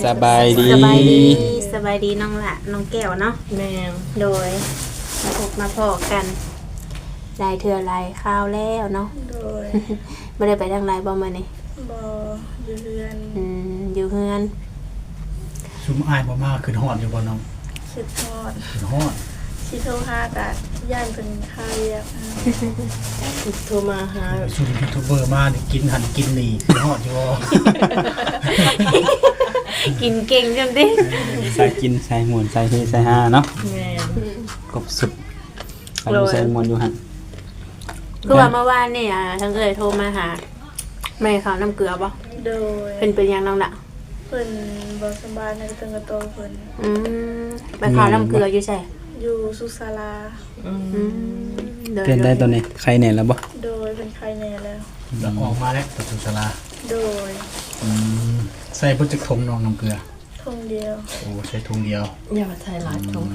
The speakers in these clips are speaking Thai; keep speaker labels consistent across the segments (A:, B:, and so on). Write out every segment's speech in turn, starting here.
A: สบายดี
B: สบายดีสบายดีน้องละน้องแก้วเนาะ
C: แม่ง
B: โดยมาพบมาพอกันลายเถื่อลายข้าวแล้วเนาะ
C: โดย
B: ไม่ได้ไปทางไรบ่มานี่
C: บ่อยู่เรือน
B: อยู่เฮือน
A: ชุมอายบ่มากขึ้นฮอดอยู่บ่น้อง
C: คิดทอด
A: ขึ้นฮอด
C: สิโทรหากะย่านเป็นค่าเรียกโทรมาหา
A: ชุมยูทูบเบอร์มานี่กินหันกินนี่ขึ้นฮอดอยู่บ่
B: กินเก่งจังดิ
D: ใส่กินใส่หมุนใส่เฮใส่ฮาเนาะ
C: แม่ง
D: กบสุดใส่หมุนใส่หมุนอยู่หั่น
B: คือว่าเมื่อวานนี่ทั้งเอ่ยโทรมาหาแม่เขาน้ำเกลือบ่
C: โดย
B: เป็นยังน้องละ
C: เพิ่นบ่สบายในตึงกระโตเพิ่น
B: ไปเขาน้ำเกลืออยู่ใช่
C: อยู่สุศาลา
D: เป็นได้ตัวนี้ใครแหน่แล้วบ่
C: โดยเป็นใครแน่แล้ว
A: แล้วออกมาแล้วประตูศาลา
C: โดย
A: ใส่บ่จักทงน้องน้ำเกลือ
C: ทงเดียว
A: โอ้ใส่ทงเดียว
C: อย่ามาไทยหลายทง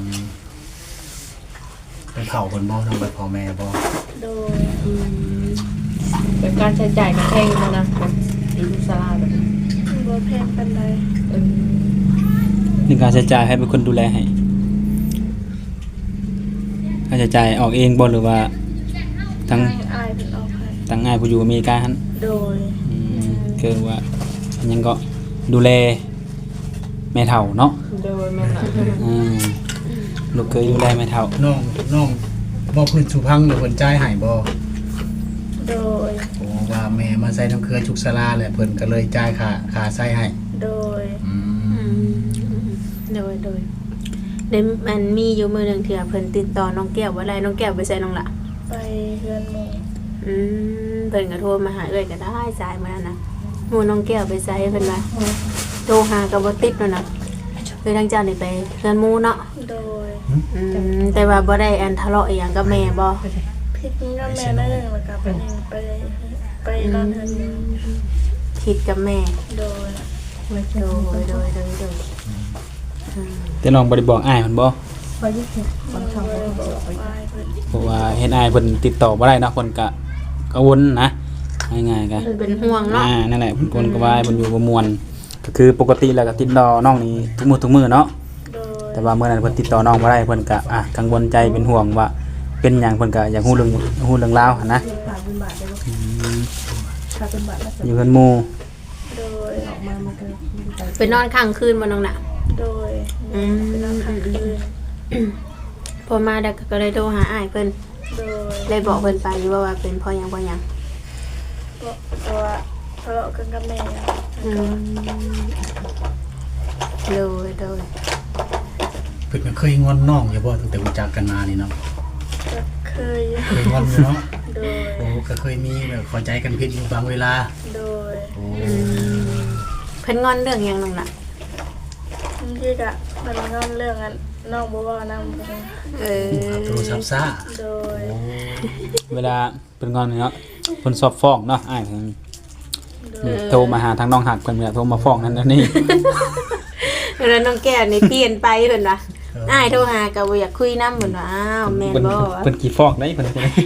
A: ไปเผาเพิ่นบ่น้องไปเผาแม่บ่
C: โดย
E: แบบการใช้จ่ายก็แพงมานะแบบดีลูกสลาแบบ
C: บ่แพงปานใด
D: ในการใช้จ่ายให้เป็นคนดูแลให้ค่าใช้จ่ายออกเองบ่หรือว่าทั้ง
C: อายเพิ่นเอาให้
D: ตั้งง่ายผู้อยู่อเมริกาหั่น
C: โดย
D: คือว่าอันยังก็ดูแลแม่เฒ่าเนาะ
E: โดยแม่นละ
D: ลูกเคยดูแลแม่เฒ่า
A: น้องบ่พื้นสุพังหรือเพิ่นจ่ายให้บ่
C: โดย
A: โอ้ว่าแม่มาใส่น้ำเกลือจุกศาลาแหละเพิ่นก็เลยจ่ายค่าใส่ให้
C: โดย
B: โดยเดี๋ยวมันมีอยู่มือหนึ่งเถื่อเพิ่นติดต่อน้องแก้วว่าไรน้องแก้วไปใส่น้องละ
C: ไปเฮือนหมู่
B: เพิ่นก็โทรมาหาเอ้ยก็ได้สายมานะหมู่น้องแก้วไปใส่เพิ่นว่าโทรหาก็บ่ติดนั่นน่ะคือทางเจ้านี่ไปเฮือนหมู่เนาะ
C: โดย
B: แต่ว่าบ่ได้อันทะเลาะอีหยังกับแม่บ่
C: พิษกับแม่นั่นเองแล้วก็ไปนอนเฮือนหมู่
B: คิดกับแม่
C: โดย
B: โดย
D: แต่น้องบ่ได้บอกอ้ายเพิ่นบ่
E: ไปยิ่งบางครั้ง
C: บ่
E: ก็
C: ได้บ
E: ต้
C: อ
E: อง
C: ก
E: ไป
C: ไปเพิ่น
D: เพราะว่าเฮ็ดอ้ายเพิ่นติดต่อบ่ได้เนาะเพิ่นก็กังวลนะง่ายๆก็
B: เพิ่นเป็นห่วงเนาะ
D: นั่นแหละเพิ่นคนก็ว่าเพิ่นอยู่บ่ม่วนก็คือปกติแล้วก็ติดต่อน้องนี่ทุกมื้อเนาะ
C: โดย
D: แต่ว่าเมื่อนั้นเพิ่นติดต่อน้องบ่ได้เพิ่นก็กังวลใจเป็นห่วงว่าเป็นหยังเพิ่นก็อยากฮู้เรื่องราวหั่นนะ
E: ผ่านเป็นบาทได้ถ้าเป็นบาทแล้ว
D: อยู่เพิ่นหมู่
C: โดย
E: ออกมามันก็ไป
B: ไปนอนค้างคืนบ่น้องน่ะ
C: โดยไปนอนค้างคืน
B: พอมาแล้วก็เลยโทรหาอ้ายเพิ่น
C: โดย
B: เลยบอกเพิ่นไปอยู่ว่าเป็นเพราะหยัง
C: ก็ตัวทะเลาะกันกับแม่
B: โดย
A: เพิ่นก็เคยงอนน้องอยู่บ่ตั้งแต่รู้จักกันมานี่เนาะ
C: ก็เคย
A: เคยงอนอยู่เนาะ
C: โดย
A: โอ้ก็เคยมีแบบเข้าใจกันผิดอยู่บางเวลา
C: โดย
A: โอ้
B: เพิ่นงอนเรื่องหยังน้องน่ะ
C: บางทีก็มันงอนเรื่องนั้นน้องบ่เว้านำเพิ่น
A: โทรศัพท์ซ่า
C: โดย
D: เวลาเพิ่นงอนเนาะเพิ่นสอบฟ้องเนาะอ้ายเพิ่นโทรมาหาทางน้องหักเพิ่นก็โทรมาฟ้องนั่นนั่นนี่
B: แล้วน้องแก้วนี่เปลี่ยนไปเพิ่นว่าอ้ายโทรหาก็บ่อยากคุยนำเพิ่นว่าอ้าวแม่นบ่
D: เพิ่นกี่ฟ้องได้เพิ่น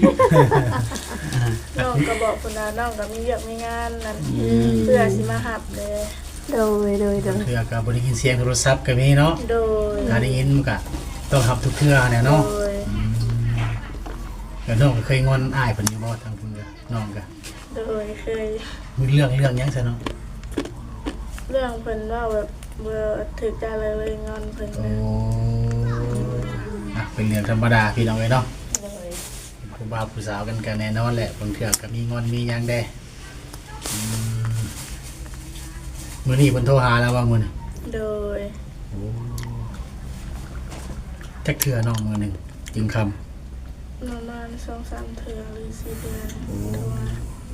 C: น้องก็บอกคุณว่าน้องก็มีเวียกมีงานนั่นเพื่อสิมาหับเลย
B: โดย
A: เทื่อก็บ่ได้ยินเสียงโทรศัพท์ก็มีเนาะ
C: โดย
A: ถ้าได้ยินมันก็ต้องรับทุกเทื่อเนี่ย
C: โด
A: เนาะ
C: ย
A: แล้วน้องก็เคยงอนอ้ายเพิ่นอยู่บ่ทางเพิ่นก็น้องก็
C: โดยเคย
A: มีเรื่องหยังซะเนาะ
C: เรื่องเพิ่นว่าแบบเบื่อถึกใจเลยงอนเพิ่น
A: โอ้
C: นะ
A: เป็นเรื่องธรรมดาพี่น้องเอ้ยเนาะ
C: โดย
A: ผู้บ่าวผู้สาวกันก็แน่นอนแหละบางเทื่อก็มีงอนมีหยังแด้มื้อนี้เพิ่นโทรหาแล้วว่ามื้อนี้
C: โดย
A: จักเทื่อน้องมื้อหนึงจึงคำ
C: ประมาณ 2-3 เทื่อหรือ4เดือนโดย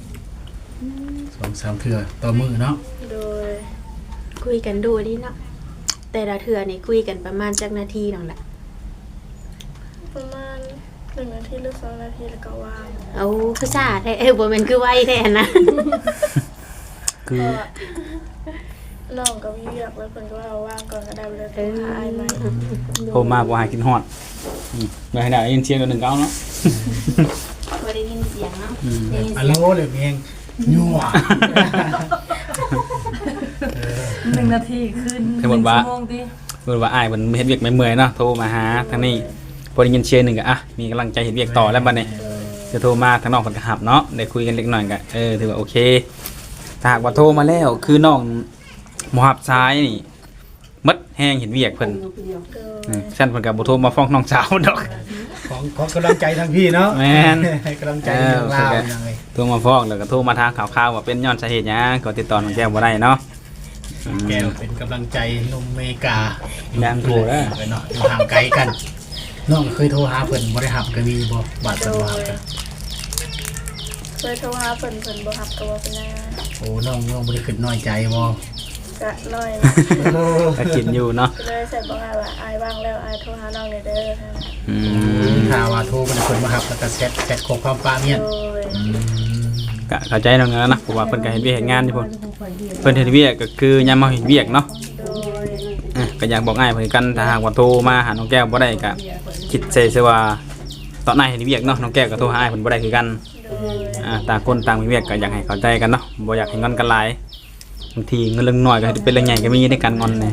A: 2-3 เทื่อต่อมื้อเนาะ
C: โดย
B: คุยกันดูดิเนาะแต่ละเทื่อนี่คุยกันประมาณจักนาทีน้องล่ะ
C: ประมาณ1 นาทีหรือ2 นาทีแล้วก็วาง
B: เอาคือซ่าแท้บ่แม่นคือไวแท้นะ
D: คือ
C: น้องก็มีเวียกแล้วเพิ่นก็ว่าว่างก่อนก็ได้ไปเลยโทรหาอ้ายใหม่
D: โทรมาบ่หากินฮอดบ่ให้ได้ยินเสียงตัวหนึงเก้าเนาะ
B: บ่ได้ยินเสียงเนาะได้ยิน
A: อะ
B: เสี
A: โล
B: ยง
A: เลยเพียงยั่ว
B: บ
E: 1นาทีขึ้น
D: สมมุติว่า
E: 1ชั่วโมงติ
D: เพิ่นว่าอ้ายเพิ่นเฮ็ดเวียกไม่เมื่อยเนาะโทรมาหาทางนี้พอได้ยินเสียงหนึงก็มีกำลังใจเฮ็ดเวียกต่อแล้วบัดนี้จะโทรมาทางน้องเพิ่นก็รับเนาะได้คุยกันเล็กน้อยก็ถือว่าโอเคถ้าหากว่าโทรมาแล้วคือน้องบ่รับสายนี่มดแฮงเห็นเวียกเพิ่นฉันเพิ่นก็บ่โทรมาฟ้องน้องสาวดอก
A: ของกำลังใจทางพี่เนาะ
D: แม่น
A: ให้กำลังใจเรื่องราวยังไง
D: โทรมาฟ้องแล้วก็โทรมาถามข่าวๆว่าเป็นย้อนสาเหตุหยังก็ติดต่อน้องแก้วบ่ได้เนาะ
A: แก้วเป็นกำลังใจหนุ่มเมกา
D: ยังโทรเด้อ
A: เนาะอยู่ห่างไกลกันน้องเคยโทรหาเพิ่นบ่ได้รับก็มีบ่บาด
C: โด
A: เพิ่นว่ากัน
C: เคยโทรหาเพิ่นบ่รับก็บ่เป็นหยัง
A: โอ้น้องบ่ได้คิดน้อยใจบ่
C: ก็น้อย
D: ก็กินอยู่เนาะ
C: เลยใส่บอกว่าอายว่างแล้วอายโทรหาน้องเลยเด้อ
A: ถ้าว่าโทรบ่ได้เพิ่นมารับแล้วก็แชทข้อความป้าเมียน
C: โดย
D: ก็เข้าใจน้องแล้วนะเพราะว่าเพิ่นก็เฮ็ดเวียกเฮ็ดงานอยู่พุ่นเพิ่นเฮ็ดเวียกก็คือยามมาเฮ็ดเวียกเนาะ
C: โดย
D: ก็อยากบอกง่ายเพิ่นกันถ้าหากว่าโทรมาหาน้องแก้วบ่ได้ก็คิดใส่ซะว่าตอนนายเฮ็ดเวียกเนาะน้องแก้วก็โทรหาอ้ายเพิ่นบ่ได้คือกัน
C: โดย
D: ต่างคนต่างมีเวียกก็อยากให้เข้าใจกันเนาะบ่อยากให้งอนกันหลายบางทีเงินเรื่องน้อยก็เป็นเรื่องใหญ่ก็มีในการงอนเนี่ย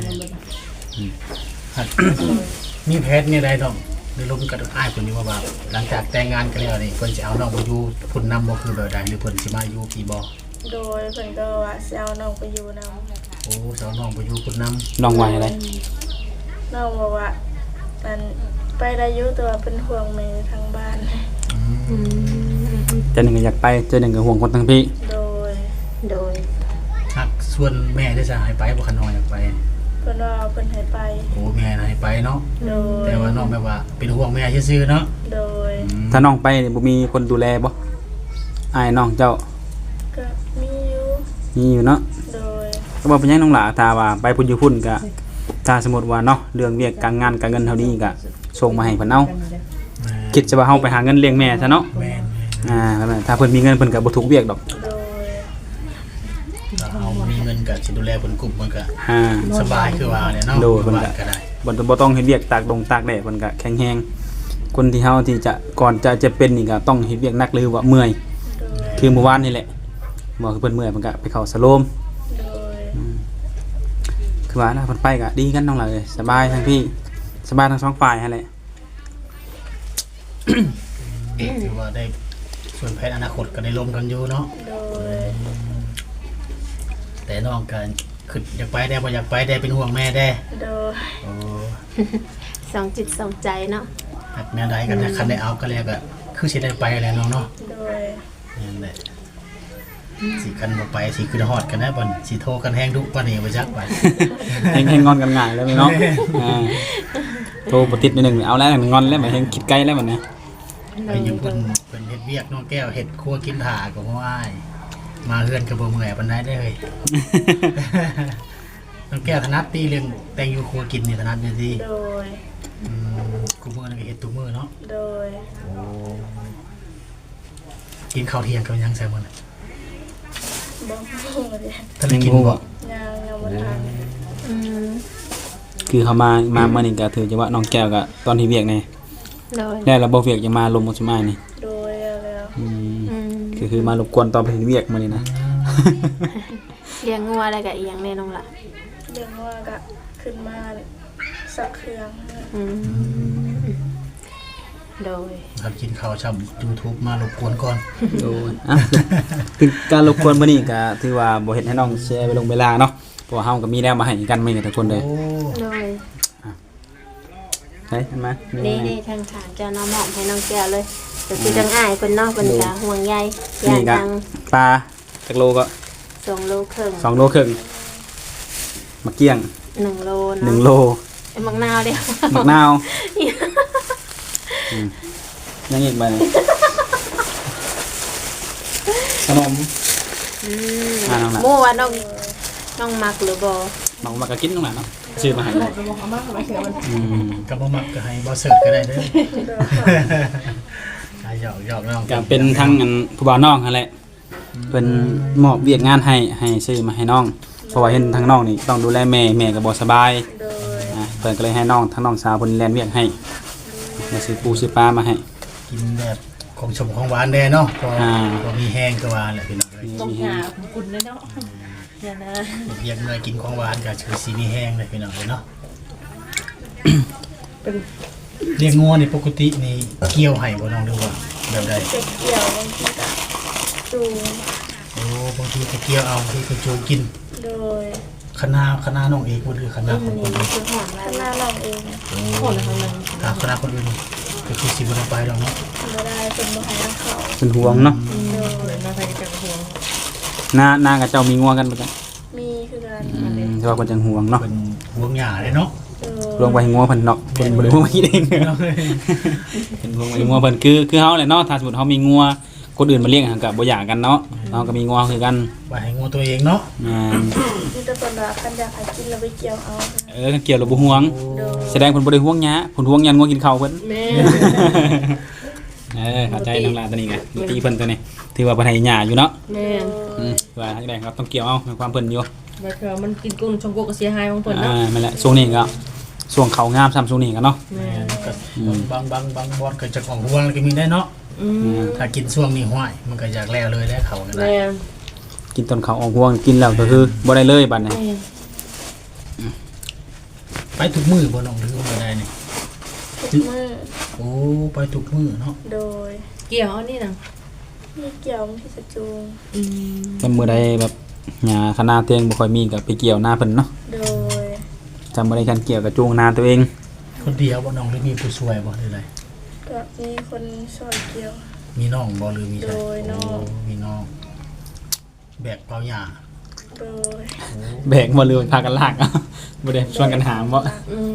A: มีแพทย์นี่ได้น้องได้ลมกับอ้ายเพิ่นอยู่ว่าหลังจากแต่งงานกันแล้วนี่เพิ่นสิเอาน้องไปอยู่พุ่นนำบ่คือแบบใดหรือเพิ่นสิมาอยู่พี่บ่
C: โดยเพิ่นก็ว่าสิเอาน้องไปอยู่นำ
A: โอ้สาวน้องไปอยู่พุ่นนำ
D: น้องว่าอะไร
C: น้องบอกว่ามันไปได้อยู่แต่ว่าเป็นห่วงแม่ทางบ้าน
D: เจอหนึ่งก็อยากไปเจอหนึ่งก็ห่วงคนทั้งพี่
C: โดย
B: โดย
A: ฮักส่วนแม่ได้จะให้ไปบ่คันน้อยอยากไป
C: เพิ่นว่าเพิ่นให้ไป
A: โอ้แม่น่ะให้ไปเนาะ
C: โดย
A: แต่ว่าน้องแบบว่าเป็นห่วงแม่ซื่อๆเนาะ
C: โดย
D: ถ้าน้องไปนี่บ่มีคนดูแลบ่อ้ายน้องเจ้า
C: ก็มีอยู่
D: มีอยู่เนาะ
C: โดย
D: ก็บ่เป็นหยังน้องหล่าถ้าว่าไปพุ่นอยู่พุ่นก็ถ้าสมมุติว่าเนาะเรื่องเวียกการงานการเงินเท่านี้ก็ส่งมาให้เพิ่นเอาคิดซะว่าเฮาไปหาเงินเลี้ยงแม่ซะเนาะ
A: แม่น
D: ถ้าเพิ่นมีเงินเพิ่นก็บ่ทุกข์เวียกดอก
C: โดย
A: ถ้าเอามีเงินก็สิดูแลเพิ่นกลุ่มมันก็
D: อ่า
A: สบายคือว่าเนี่ยเนาะ
D: โดยเพิ่นก็
A: ก็ได้
D: บ่ต้องเฮ็ดเวียกตากตากแดดเพิ่นก็แข็งแรงคนที่เฮาที่จะก่อนจะเป็นนี่ก็ต้องเฮ็ดเวียกหนักหรือว่าเมื่อย
C: โดย
D: คือเมื่อวานนี่แหละบอกคือเพิ่นเมื่อยเพิ่นก็ไปเข้าสโลม
C: โดย
D: คือว่านะเพิ่นไปก็ดีกันน้องหล่ะเอ้ยสบายทั้งพี่สบายทั้งสองฝ่ายหั่นแหละ
A: ถือว่าได้ส่วนแผนอนาคตก็ได้ลมกันอยู่เนาะ
C: โดย
A: แต่น้องก็คืออยากไปได้บ่อยากไปได้เป็นห่วงแม่ได้
C: โดย
A: โอ้
B: สองจิตสองใจเนาะ
A: หักแม่ใดกันคันได้เอาก็แล้วก็คือสิได้ไปแล้วน้องเนาะ
C: โดย
A: นั่นแหละสิคันบ่ไปสิคือฮอดกันนะบ่นสิโทรกันแฮงดุปานนี้บ่จักไป
D: แฮงงอนกันง่ายแล้วแม่เนาะโทรบ่ติดนิดนึงเอาแล้วงอนแล้วบ่แฮงคิดไกลแล้วบัดนี้
A: ไปอยู่เพิ่นเฮ็ดเวียกน้องแก้วเฮ็ดครัวกินถ่าก็บ่อ้ายมาเฮือนก็บ่เมื่อยปานใดเด้อเฮ้ย น้องแก้วถนัดตีเรื่องแต่งอยู่ครัวกินนี่ถนัดอยู่ดี
C: โดย
A: กูมื้อนั้นก็เฮ็ดทุกมื้อเนาะ
C: โดย
A: โอ้กินข้าวเที่ยงกับหยังแซ่บบ่น่ะ
C: บ่ฮู้เลย
A: ท่านได้กินบ่
C: ยังบ่ทัน
B: อืม
D: คือเขามามื้อนี้ก็ถือจะว่าน้องแก้วก็ตอนที่เวียกนี่
B: โดย
D: แล้วเราบ่เวียกจะมาลมบ่สิมานี่
C: โดยแล้ว
B: อืม
D: คือมารบกวนตอนไปเวียกมื้อนี้นะ
B: เลี้ยงงัวอะไรกับอีหยังแน่น้องล่ะ
C: เรื่องว่าก็ขึ้นมาสักเครื่อง
B: อืมโดย
A: ครับกินข้าวช่ำ YouTube มารบกวนก่อน
D: โดยคือการรบกวนมื้อนี้ก็ถือว่าบ่เฮ็ดให้น้องแชร์ไปลงเวลาเนาะเพราะว่าเฮาก็มีแล้วมาให้กันมื้อนี้ทุกคนเลย
A: โอ้
B: โดย
D: เฮ้ยเห็นมั้ย
B: นี่ทางฐานเจ้าน้องหมอมให้น้องแก้วเลยก็คือจังอ้ายเพิ่นเนาะเพิ่นก็ห่วงใยย่าง
D: นี่ก็
B: ทาง
D: ปลาจักโลก็
B: 2 โลครึ่ง
D: 2 โลครึ่งมะเกี้ยง
B: 1 โล
D: 1
B: เนาะ
D: โล
B: ไอ้มักนาวเดียว
D: มะนาวยังอีกใบหนึ่งขนม
B: อืม
D: น้องล่ะ
B: หมู่ว่าน้องมักหรือบ่
D: น้องมากระกินน้องหล่ะเนาะซื้อมาให้
E: บอกเอามาเสียมัน
A: ก็บ่มักก็ให้บ่เสิร์ฟก็ได้เด้อหยอกน้อง
D: ก็เป็นทั้งอันผู้บ่าวน้องนั่นแหละเพิ่นมอบเวียกงานให้ซื้อมาให้น้องเพราะว่าเห็นทางน้องนี่ต้องดูแลแม่ก็บ่สบาย
C: โดย
D: เพิ่นก็เลยให้น้องทั้งน้องสาวเพิ่นแล่นเวียกให้มาซื้อปูซื้อปลามาให้
A: กินแบบของชมของหวานแน่เนาะพอ
D: อ่า
A: พอมีแห้งก็ว่าแหละพี่น้องเอ้ย
E: ต้องหาคุณเลยเนาะอย่านะ
A: เรียกเมื่อยกินของหวานก็คือสีมีแห้งเลยพี่น้องเนาะ
E: เป็น
A: เลี้ยงงัวนี่ปกตินี่เกี่ยวให้บ่น้องหรือว่าแบบใด
C: จะเกี่ยวบางทีก็จูง
A: โอ้บางทีก็เกี่ยวเอาบางทีก็จูงกิน
C: โดย
A: คณะน้องเอกบ่หรือคณะของคนอื่น
B: คือหอม
C: ข้างหน้าเราเอง
E: คนละทางนั้น
A: ถ้าคณะคนอื่นก็คือสิบ่ได้ไปดอกเนาะ
C: ไม่ได้เป็นมหาเขา
D: เป็นห่วงเนาะ
E: เหมือนมาไปกันห่วง
D: หน้ากับเจ้ามีงัวกันบ่จัง
C: มีคือกัน
D: แต่ว่าเพิ่นจังห่วงเนาะ
A: เป็นห่วงหญ้าเลยเนาะ
D: รวมไปให้งัวเพิ่นเนาะเพิ่นบ่ได้ห่วงมาคิดเองเป็นห่วงไปให้งัวเพิ่นคือเฮาแหละเนาะถ้าสมมุติเฮามีงัวคนอื่นมาเลี้ยงหันก็บ่อยากกันเนาะเฮาก็มีงัวคือกัน
A: ไปให้งัวตัวเองเนาะ
C: มีแต่คนว่าคันอยากให้กินเราไปเกี่ยวเอา
D: เกี่ยวแล้วบ่ห่วง
C: โดย
D: แสดงเพิ่นบ่ได้ห่วงหยาเพิ่นห่วงยันงัวกินข้าวเพิ่น
E: แม่
D: เข้าใจน้องลาตัวนี้ไงตีเพิ่นตัวนี้ถือว่าเพิ่นให้หยาอยู่เนาะ
E: แม่
D: ว่าจังได๋ครับต้องเกี่ยวเอาในความเพิ่นอยู่
E: บัดเทื่อมันกินกุ้งชงกุกก็เสียหายของเพิ่นเนาะ
D: นั่นแหละช่วงนี้ก็ช่วงเขางามซ้ำช่วงนี้กันเนาะ
E: แม่
A: ก็บางบอนก็จะของห่วงก็มีได้เนาะ ถ้ากินช่วงนี้ห้วยมันก็อยากแล้วเลยได้เขานั่นแหละ
E: แม่
D: กินต้นเขาออกห่วงกินแล้วก็คือบ่ได้เลยบัดนี้
E: แม่
A: ไปทุกมื้อบ่น้องหรือว่าได้นี่
C: ทุกมือ
A: โอ้ไปทุกมื้อเนาะ
C: โดย
E: เกี่ยวเอานี่น่ะ
C: มีเกี่ยวที่จะจูง
D: แต่มื้อใดแบบหญ้าคณะเตียงบ่ค่อยมีก็ไปเกี่ยวหน้าเพิ่นเนาะ
C: โดย
D: จำบ่ได้คันเกี่ยวกับจูงนาตัวเอง
A: คนเดียวบ่น้องหรือมีผู้ช่วยบ่หรืออะไร
C: ก็มีคนช่วยเกี่ยว
A: มีน้องบ่หรือมีใคร
C: โดยน้อง
A: โมีน้องแบกเปล่าหญ้า
C: โดย
D: แบกบ่เลยพากันลากเอาบ่ได้ชวนกันหามบ่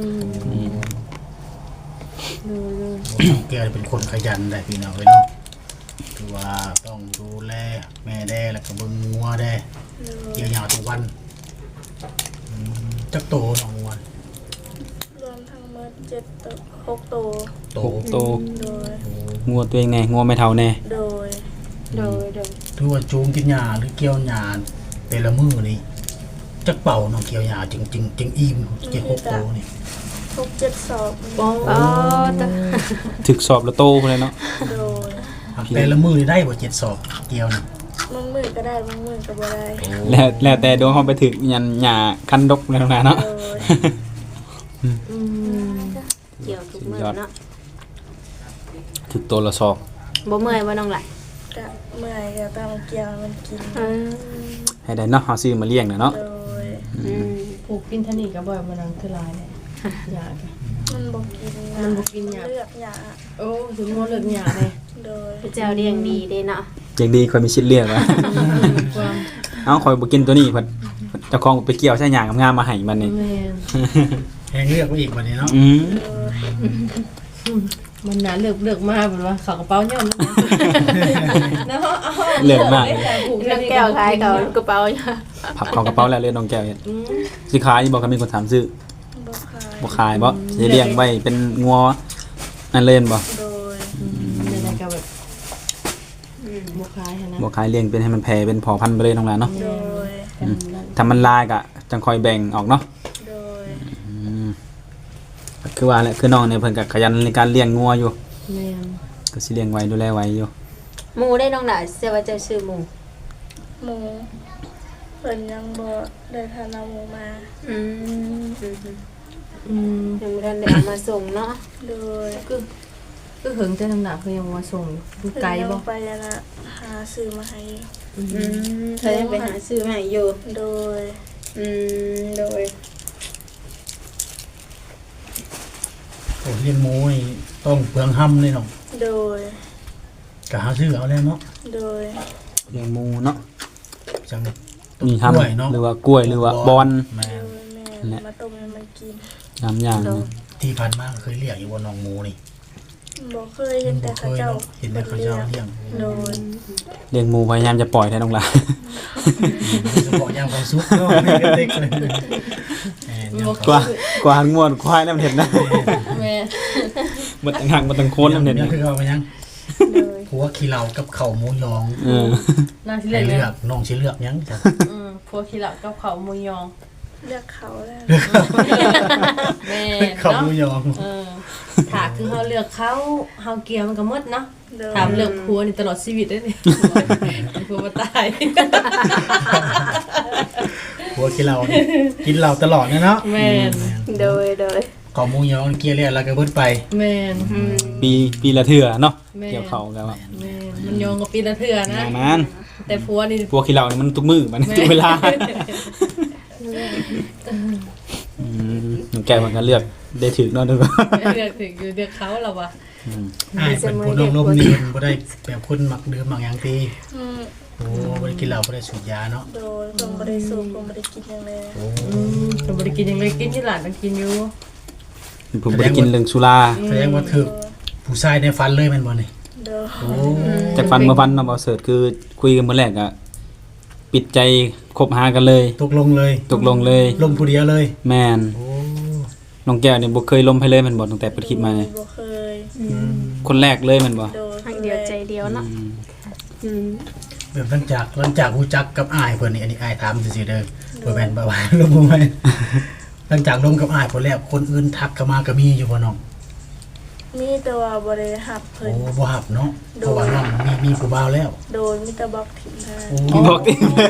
A: น้องแกเป็นคนขยันได้พี่น้องเอ้ยเนาะคือว่าต้องดูแลแม่แด้แล้วก็เบิ่งงัวแด้
C: โดย
A: เกี่ยวหญ้าทุกวันจักโตน้องงัว
C: รวมทั้งหมด7ตัว6ตัว
A: โต
D: โต
C: โดย
D: งัวตัวเองแน่งัวไม่เท่าแน่
C: โดย
B: โดย
A: ถือว่าจูงกินหญ้าหรือเกี่ยวหญ้าแต่ละมื้อนี่จักเป่าน้องเกี่ยวหญ้าจึงอิ่มเกี่ยว6โตนี่
C: 6-7 สอบ
E: ป้อง
B: อ๋อตะ
D: ถึกสอบแล้วโตพุ่นเลยเนาะ
C: โดย
A: แต่ละมื้อนี่ได้บ่7 สอบเกี่ยวนี่
C: บางมือก็ได้บางมือก็บ่ได้
D: แล้วแต่ดวงเฮาไปถึกยันหญ้าคันดกแล้วนะเนาะ
C: โดย
B: เกี่ยวทุกมื้อเนาะ
D: ถึกโตละสอบ
B: บ่เมื่อยบ่น้องหล่ะ
C: ก็เมื่อยก็ต้องเกี่ยวมันกิน
D: ให้ได้เนาะเฮาซื้อมาเลี้ยงน่ะเนาะ
C: โดย
E: ผูกกินทนี่ก็บ่อยมันนังคือหลายเลยอยาก
C: มันบ่กิน
E: มันบ่กินหญ้า
C: เลือกหญ้า
E: โอ้ถึงงัวเลิกหยาเลย
C: โดย
B: พระเจ้าเลี้ยงดีเด้เนาะ
D: อย่างดีค่อยมีชิดเลือกว่า
E: ความ
D: เอ้าข่อยบ่กินตัวนี้เพิ่นเจ้าของไปเกี่ยวใช้หญ้างามๆมาให้มันนี่
E: แม่
A: แหงเลือกไว้อีกบัดนี้เนาะ
C: โดย
E: มันน่ะเลือกมาเหมือนว่าเขากระเป๋าย่อมนะเนาะเอา
D: เลือกมาก
E: ผูก
B: น้องแก้วขายเขากระเป๋าอยู่
D: พับเข้ากระเป๋าแล้วเลยน้องแก้วเฮ็ดสิขายบ่ก็มีคนถามซื้อ
C: บ่ขาย
D: บ่ขายบ่สิเลี้ยงไว้เป็นงัวนั่นเล่นบ่
C: โดย
E: ในก็แบบบุคายนะ
D: บ่ขายเลี้ยงเป็นให้มันแผ่เป็นพอพันธุ์ไปเลยน้องหลานเนาะ
C: โดย
D: ถ้ามันลายก็จังค่อยแบ่งออกเนาะ
C: โดย
D: คือว่าแหละคือน้องเนี่ยเพิ่นก็ขยันในการเลี้ยงงัวอยู่
E: แม่น
D: ก็สิเลี้ยงไว้ดูแลไว้อยู่
B: หมูได้น้องหล่ะเสียว่าเจ้าชื่อหมู
C: หมูเพิ่นยังบ่ได้ทานเอาหมูมา
B: ยังบ่ทันได้เอามาส่งเนาะ
C: โดย
E: คือหึงแต่น้ำหนักคือยังมาส่งดูไกลบ่
C: เพิ่นยังไปแล้วนะหาซื้อมาให้
B: เธอยังไปหาซื้อมาให้อยู่
C: โดย
B: โดย
A: โอ้เลี้ยงหมูนี่ต้องเปลืองห้ำเลยน้อง
C: โดย
A: ก็หาซื้อเอาแล้วเนาะ
C: โดย
D: เลี้ยงหมูเนาะ
A: จัง
D: มีทำ
A: กล้วยเนาะ
D: หรือว่ากล้วยหรือว่าบอน
A: แม่
C: โดยแม่มาต้มให้มันกิน
D: น้ำอย่าง
A: ที่ผ่านมาเคยเลี้ยงอยู่บนน้องหมูนี่
C: บ่เคยเห็นแต่
A: เค
C: เขา
A: ย
C: เจ้า
A: เนาะเห็นแต่เขาเจ้าเลี้ยง
C: โดย
D: เลี้ยงหมูพยายามจะปล่อยแท้น้องหลาน
A: เฉพาะยามความสุขเนาะเด็กๆเลยยาม
D: กว่าง่วนควายน้ำเห็ดนะ
E: แม่
D: บ่ตังหักบ่ตังโคนน้ำเห็ด
A: ยั
D: นะ
A: งคือเอาไปยัง
B: โดย
A: ผัวขี้เหล้ากับข้าวหมูยอง
E: น่าสิ
A: ให้
E: เลื
A: เลื
E: อ
A: อก กน้องสิเลือกยังจ้ะ
E: พวกขี้เหลับกับเขาหมูยอง
C: เลือกเขาแล้ว
E: แม่
A: ข้าวห
E: เนาะ
A: มูยอง
E: ถ้าคือเฮาเลือกเขาเฮาเกี่ยวมันก็หมดเนาะ
C: โดย
E: ถามเลือกผัวนี่ตลอดชีวิตได้นี่ผัวบ่ตาย
A: ผัวกินเหล้านี่กินเหล้าตลอดเนาะ
E: แม่น
B: โดย
A: ข้าวหมูยองเกลียแล้วก็เบิดไป
E: แม่น
D: ปีละเทื่อเนาะ
E: แม่
D: เกี่ยวเขากันว่า
E: แม่นมันโยงกับปีละเทื่อนะ
D: อย่างนั้น
E: แต่ผัวนี่
D: พวกขี้เหล้านี่มันทุกมื้อมันทุกเวลาน้องแก้วมันก็เลือกได้ถึกเนาะทุกคน
E: เลือกถึงอยู่เลือกเขาแล้ววะ
A: อ้ายเป็นผู้ลมๆนี่บ่ได้แบบคนมักดื่มมักหยังตี
C: อืม
A: โอ้บ่ได้กินเหล้าบ่ได้สูบยาเนาะ
C: โดยผมบ่ได้สูบผมบ่ได้กินหยังเลย
A: โอ้
E: ผมบ่ได้กินหยังเลยกินที่หลานต้องกินอยู่
D: ผมบ่ได้กินเรื่องสุรา
A: แสดงว่าถึกผู้ชายในฝันเลยแม่นบ่นี่
C: โดย
A: โอ้
D: จากฟันมาฟันเนาะบ่เสิร์ชคือคุยกันมื้อแรกอะปิดใจคบหากันเลย
A: ตกลงเลย
D: ตกลงเลย
A: ลมผู้เดียวเลย
D: แม่น
A: โอ้
D: น้องแก้วนี่บ่เคยล้มให้เลยแม่นบ่ตั้งแต่เปิดคลิปมาเนี่ย
C: บ่เคย
D: คนแรกเลยแม่นบ่
C: โดย
B: ๆหักเดียวใจเดียวเนาะอืม
A: แบบหลังจากรู้จักกับอ้ายเพิ่นนี่อันนี้อ้ายถามซื่อๆเด้อบ่แม่นบ่ว่าลมบ่แม่นหลังจากลมกับอ้ายเพิ่นแล้วคนอื่นทักเข้ามาก็มีอยู่บ่น้อง
C: มีแต่ว่าบ่ได้หับเพิ่
A: โอ้
C: น
A: บ่ฮับเนาะเพราะว่าน้องมีผู้บ่าวแล้ว
C: โดยมีแต่บล็อกทิ้งให้
A: โอ้
D: บอกดิ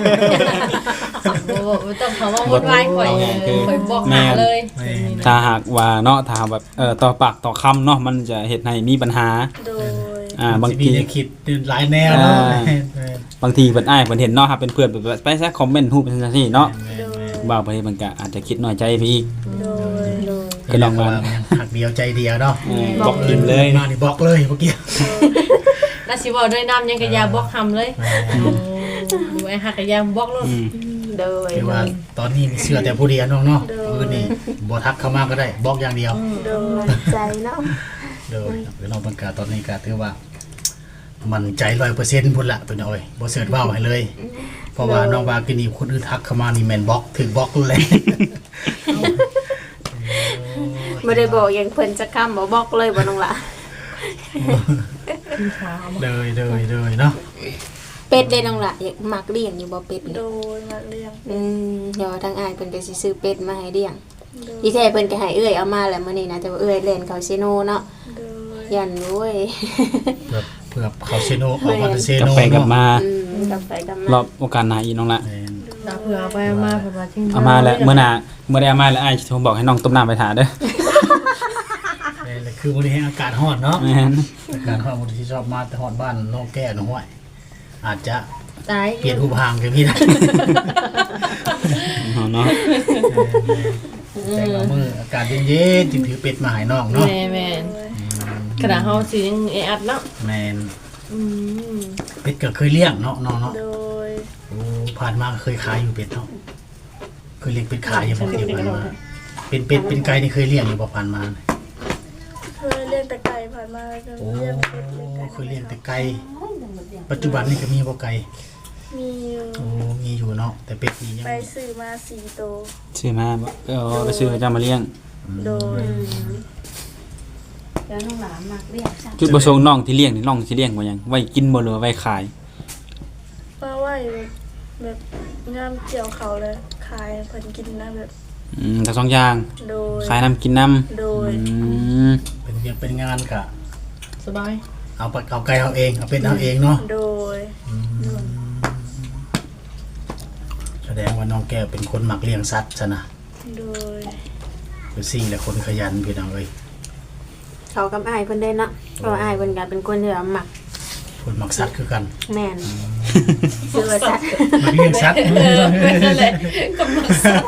E: บ่ต้องเขาว่าวนวายข่อยข่อยบอกหาเลย
A: แม่น
D: ถ้าหากว่าเนาะถ้าแบบต่อปากต่อคำเนาะมันจะเฮ็ดให้มีปัญหา
C: โดย
D: บาง
A: สิมี
D: ที
A: แนวคิดหลายแนวเนาะ
D: อ่า บางทีเพิ่นอ้ายเพิ่นเห็นเนาะครับเป็นเพื่อนแบบไปซะคอมเมนต์ฮู้เป็นจังซี่เนาะ
C: โดย
D: ว่าไปมันก็อาจจะคิดน้อยใจไปอีก
C: โดย
D: ก็ลองมา
A: หักเดียวใจเดียวเนาะ
D: บล็อกทิมเลย
A: มานี่บล็อกเลยเมื่อกี้
E: แล้วสิเว้าด้วยน้ำยังกะยาบอกคำเลยอยู่ไอ้หักกะยาบอกโลด
D: อืม
B: โดย
A: คือว่าตอนนี้มีเสื้อแต่ผู้เดียวน้องเนาะพื้นนี่บ่ทักเข้ามาก็ได้บล็อกอย่างเดียว
C: โดย
B: ใจเนาะ
A: เด้อคือน้องปังกาตอนนี้ก็ถือว่า มันใจ100%พุ่นละตัวน้อยบ่เสิร์ชว้าวให้เลย เพราะว่าน้องว่ากินนี่คนอื่นทักเข้ามานี่แม่นบล็อกถึงบล็อกเลย
B: บ่ได้บอกอย่างเพิ่นจะค้ำบ่บอกเลยบ่น้องล่ะ
A: เลยเนาะ
B: เป็ดได้น้องล่ะอยากมักเลี้ยงอยู่บ่เป็ด
C: โด
B: นี่
C: ยมาเลี้ยง
B: เดี๋ยวทางอ้ายเพิ่นก็สิซื้อเป็ดมาให้เลี้ยง
C: โดย
B: อีแท้เพิ่นก็ให้เอื้อยเอามาแล้วมื้อนี้นะแต่ว่าเอื้อยเล่นเขาซิโนเนาะ
C: โดย
B: ยันโว้ย
A: เพื่อเขาเซโนออกมาเป็นเซ
D: กลับ
A: โน
D: ไปกลับมา
B: กลับไปกลับมาร
D: อบโอกาสหน้าอีกน้องละ
E: ตาเผื่อเอาไปเอามาเผื่อว่าจริง
D: เอามาแล้วเมื่อหน้าเมื่อได้เอามาแล้วอ้ายสิโทรบอกให้น้องต้มน้ำไปทาเด้อ
A: คือวันนี้อากาศร้อนเนาะ
D: แม่น
A: อากาศร้อนบางทีชอบมาแต่ร้อนบ้านน้องแก้น้องห้วยอาจจะ
E: ตาย
A: เปลี่ยนรูปห่างกันพี่นะ
D: เอาเนาะ
A: แต่ละมืออากาศเย็นๆจึงถือเป็ดมาให้น้องเนาะ
E: แม่นขณะเฮาสิยังเออัดเนาะ
A: แมน
E: อืม
A: เป็ดก็เคยเลี้ยงเนาะน้องเนาะ
C: โดย
A: โอ้ผ่านมาก็เคยขายอยู่เป็ดเนาะเคยเลี้ยงเป็ดขายอยู่บ่เดียวผ่านมาเป็นเป็ดเป็นไก่นี่เคยเลี้ยงอยู่บ่ผ่านมา
C: เคยเลี้ยงแต่ไก่ผ่านมาแล้วก็
A: โอ้
C: เลี้ยงเป็ดเลี้ยงไก่
A: เคยเลี้ยงแต่ไก่ปัจจุบันนี่ก็มีบ่ไก่
C: มีอยู่
A: โอ้มีอยู่เนาะแต่เป็ดนี่ยัง
C: ไปซื้อมา4ตัว
D: ซื้อมาบ่ไปซื้อจะมาเลี้ยง
C: โดย
B: แล้วน้องหลานมักเลี้ยงจ้ะ
D: จุดประสงค์น้องที่เลี้ยงนี่น้องสิเลี้ยงบ่หยังไว้กินบ่หรือว่าไว้ขาย
C: มาไหวแบบงามเกี่ยวเขาเลยขายเพิ่นกินนะแบบ
D: ทั้งสองอย่าง
C: โดย
D: ขายน้ำกินน้ำ
C: โดย
A: เป็นเวียกเป็นงานกะ
E: สบาย
A: เอาปัดเอาไก่เอาเองเอาเป็ดเอาเองเนาะ
C: โดย
A: แสดงว่าน้องแก้วเป็นคนมักเลี้ยงสัตว์ซะนะ
C: โดย
A: คือซี่และคนขยันพี่น้องเอ้ย
B: เขากับอ้ายเพิ่นได้เนาะเพราะว่าอ้ายเพิ่นก็เป็นคนที่ว่ามัก
A: คนมักสัตว์คือกัน
B: แม่นซื้อว่าสัตว์
A: มักเลี้ยงสัตว์
E: นั่นแหละกำลัง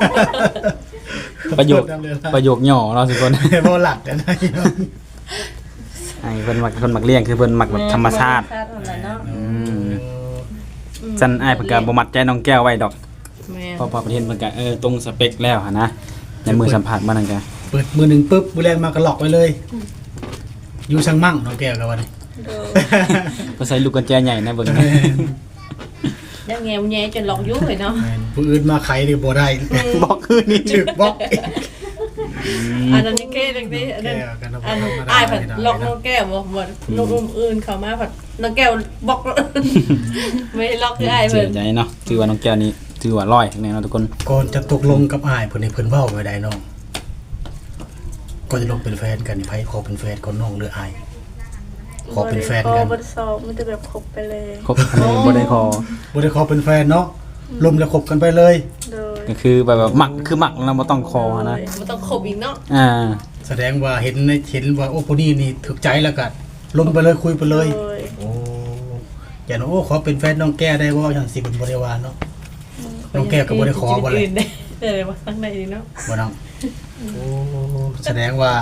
D: ประโยคย่อเนาะทุกคน
A: บ่หลักกันนะพี่น้อง
D: ไอ้เพิ่นมักคนมักเลี้ยงคือเพิ่นมักแบบธรรมชาติ
E: เนาะ
D: จันอ้ายเพิ่นก็บ่มัดใจน้องแก้วไว้ดอก
E: แม่
D: เพราะประเทศเพิ่นก็ตรงสเปคแล้วหั่นนะในมือสัมผัสมานั่นก็
A: เปิดมือหนึ่งปุ๊บมือแรงมากระหลอกไว้เลย อยู่ช่างมั่งน้องแก้วกันวันนี้
C: โดย
D: ก็ใส่ลูกกุญแจใหญ่นะเบิ่งนะ
E: ยังแงวแงจนหลอกยุ่งเลยเนาะ
A: แม่นผู้อื่นมาไขนี่บ่ได้
D: บอกคืนนี้
A: ถึกบล็อก
E: อันนั้นนี่เก้จังซี่อันนั้นอันอ้ายผัดหลอกน้องแก้วบ่หมดลูกอื่นเข้ามาผัดน้องแก้วบอกไม่ล็อกคืออ้าย
D: เสี
E: เพิ่
D: ย
E: น
D: ใจเนาะถือว่าน้องแก้วนี้ถือว่าร้อยแน่เนาะทุกคน
A: ก่อนจะตกลงกับอ้ายเพิ่นให้เพิ่นเว้าไว้ได้น้องก่อนจะลงเป็นแฟนกันนี่ไผขอเป็นแฟนก่อนน้องหรืออ้ายขอเป็นแฟนกัน
C: บ่ได้สอบมันจะแบบคบไปเลย
D: ครบอันนี้บ่ได้ขอ
A: บ่ได้ขอเป็นแฟนเนาะลมแล้วคบกันไปเลย
C: โดย
D: ก็คือแบบหมักคือหมักแล้วบ่ต้องคอนะ
E: บ่ต้องขบอีกเนาะ
A: แสดงว่าเห็นว่าโอ้ผู้นี้นี่ถูกใจแล้วก็ลงไปเลยคุยไปเลย
C: โดย
A: โอ้อย่างโอ้ขอเป็นแฟนน้องแก้ได้บ่อย่างสิเป็นบริวารเนาะน้องแก้ก็บ่ได้ขอบ่เลย
E: ได้ว่าตั้งได้ดีเนาะ
A: บ่น้องโอ้แสดงว่า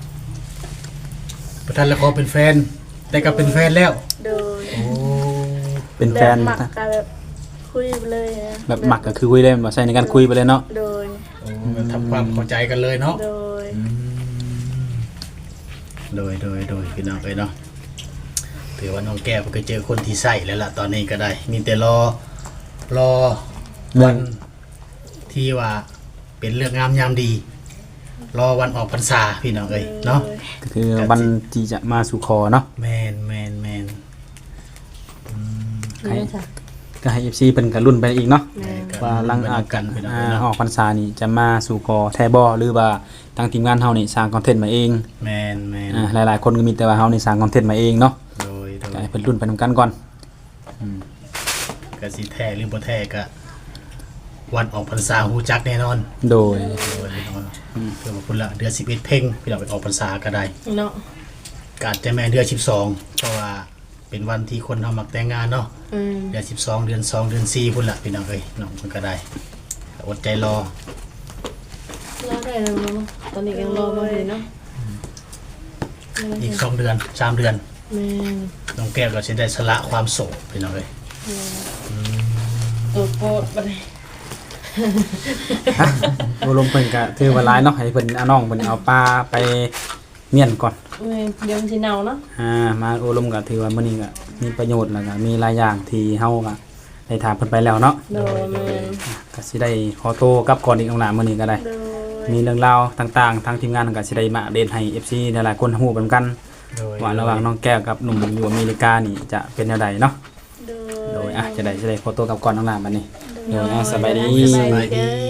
A: ประธานแล้วขอเป็นแฟนแต่ก็เป็นแฟนแล้ว
C: โดย
A: โอ้
D: เป็นแฟน
C: บบหมักกันแบบคุยไปเลยอะ
D: แบบหมักก็คือคุยได้บ่ใช่ในการคุยไปเลยเนาะ
C: โดย
A: โอ้ทำความเข้าใจกันเลยเนาะ
C: โดย
A: โดยพี่น้องเอ้ยเนาะถือว่าน้องแก้วก็เจอคนที่ใส่แล้วล่ะตอนนี้ก็ได้ มีแต่รอวันที่ว่าเป็นเรื่องงามยามดี รอวันออกพรรษาพี่น้องเอ้ยเนาะ
D: ก็คือวันที่จะมาสู่ขอเนาะ
A: แมน
E: ไม่ใช่
D: ก็ให้ FC เพิ่นก็รุ่นไปอีกเนาะ
E: แม่
D: ว่าหลัง
A: อากกันพี่น้องเอ้ย
D: อ
A: เนาะ
D: อกพรรษานี่จะมาสู่ขอแท้บ่หรือว่าทางทีมงานเฮานี่สร้างคอนเทนต์มาเอง
A: แมน
D: หลายๆคนก็มีแต่ว่าเฮานี่สร้างคอนเทนต์มาเองเนาะ
A: โดย
D: ก็ให้เพิ่นรุ่นไปนํกันก่อน
A: ก็สิแท้หรือบ่แท้ก็วันออกพรรษาฮู้จักแน่นอน
D: โดย
A: โดยพี่น้องเพื่อมาพุ่นละเดือน11เพ่งพี่น้องไปออกพรรษาก็ได้
E: เนาะ
A: ก็อาจจะแม่นเดือน12เพราะว่าเป็นวันที่คนเฮามักแต่งงานเนาะ เดือน12เดือน2เดือน4พุ่นละพี่น้องเอ้ยน้องมันก็ได้อดใจรอ
E: รอได้แล้วเนาะตอนนี้ยังรอบ่ได้เนาะ
A: อีก2เดือน3เดือน
E: แม่
A: น้องแก้วก็สิได้สละความโสดพี่น้องเอ้ย
E: ตัวโปรดบ่ได้
D: โอลมเพิ่นก็ถือว่าหลายเนาะให้เพิ่นเอาน้องเพิ่นเอาปลาไปเมียนก่อน
E: แม่เดี๋ยวมันสิเน่าเนาะ
D: มาโอลมก็ถือว่ามื้อนี้ก็มีประโยชน์แล้วก็มีหลายอย่างที่เฮาก็ได้ถามเพิ่นไปแล้วเนาะ
E: โดยแม่
D: ก็สิได้ขอโตวกลับก่อนอีกเอาหน้ามื้อนี้ก็ได้
C: โดย
D: มีเรื่องราวต่างๆทางทีมงานก็สิได้มาอัปเดตให้ FC หลายๆคนฮู้เหมือนกัน
A: โดย
D: ว่าระหว่างน้องแก้วกับหนุ่มอยู่อเมริกานี่จะเป็นแนวใดเนาะ
C: โด
D: โด
C: ย
D: ยจะได้ขอตัวกลับก่อนเอาหน้าบัดนี้โดยสบายดี
C: สบายดี